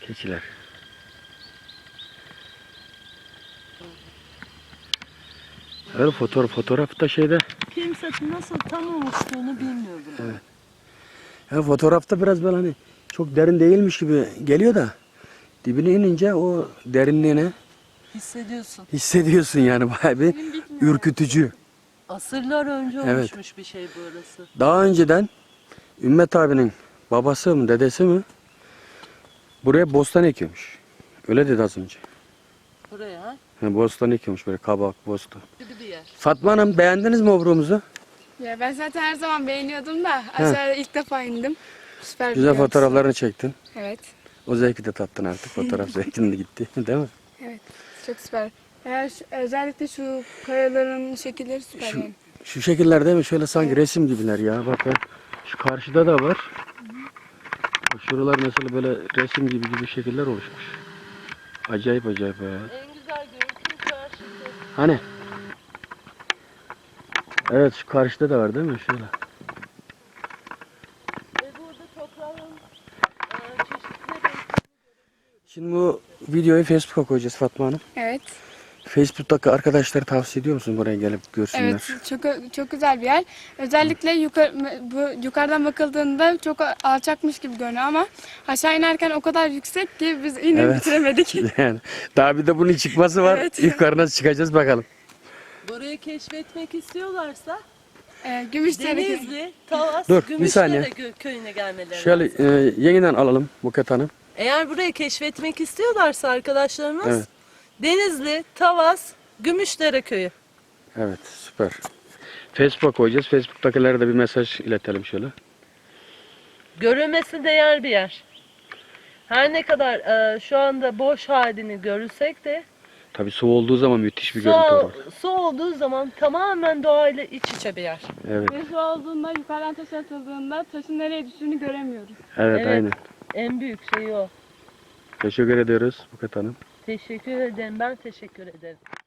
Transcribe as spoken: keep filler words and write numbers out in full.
Keçiler. Öyle fotoğraf, fotoğraf da şeyde. Kimse nasıl tam oluştuğunu bilmiyorum. Evet. Ya fotoğrafta biraz böyle hani çok derin değilmiş gibi geliyor da dibine inince o derinliğini Hissediyorsun. hissediyorsun yani, bayağı bir ürkütücü. Asırlar önce Evet. oluşmuş bir şey burası. Daha önceden Ümmet abinin babası mı dedesi mi buraya bostan ekiyormuş. Öyle dedi az önce. Buraya ha? Yani bostan ekiyormuş, böyle kabak, bostan. Gibi bir yer. Fatma Hanım, beğendiniz mi obrumuzu? Ya ben zaten her zaman beğeniyordum da aşağıya ilk defa indim. Süper bir Güzel görüntüsü. fotoğraflarını çektin. Evet. O zevki de tattın artık. Fotoğraf zevkin de gitti. Değil mi? Evet. Çok süper. Eğer şu- özellikle şu kayaların şekilleri süper Şu, yani. şu şekiller değil mi? Şöyle sanki resim gibiler ya. Bakın. Şu karşıda da var. Bak şuralar mesela böyle resim gibi gibi şekiller oluşmuş. Acayip acayip ya. En güzel görüntü karşısı. Hani? Evet, şu karşıda da var değil mi? Şöyle. Ve burada toprağın e, çeşitli renkleri. Şimdi bu videoyu Facebook'a koyacağız Fatma Hanım. Evet. Facebook'taki arkadaşları tavsiye ediyor musun buraya gelip görsünler? Evet. Çok çok güzel bir yer. Özellikle yukarı, bu yukarıdan bakıldığında çok alçakmış gibi görünüyor ama aşağı inerken o kadar yüksek ki biz inip Evet. bitiremedik. Yani daha bir de bunun çıkması var. Evet. Yukarı nasıl çıkacağız bakalım. Burayı keşfetmek istiyorlarsa Ee, Gümüşdere. Denizli, Tavas, Dur, bir Gümüşdere saniye. gö- köyüne gelmeleri Şöyle lazım. e, yeniden alalım Buket Hanım. Eğer burayı keşfetmek istiyorlarsa arkadaşlarımız Evet. Denizli, Tavas, Gümüşdere köyü. Evet, süper. Facebook'a koyacağız. Facebook'takilere de bir mesaj iletelim şöyle. Görülmesi değer bir yer. Her ne kadar e, şu anda boş halini görürsek de Tabii su olduğu zaman müthiş bir su, görüntü olur. su olduğu zaman tamamen doğayla iç içe bir yer. Evet, Ve su olduğunda yukarıdan taş atıldığında taşın nereye düştüğünü göremiyoruz. evet, Evet. aynen. En büyük şey o. Teşekkür ediyoruz Buket Hanım. Teşekkür ederim. Ben teşekkür ederim.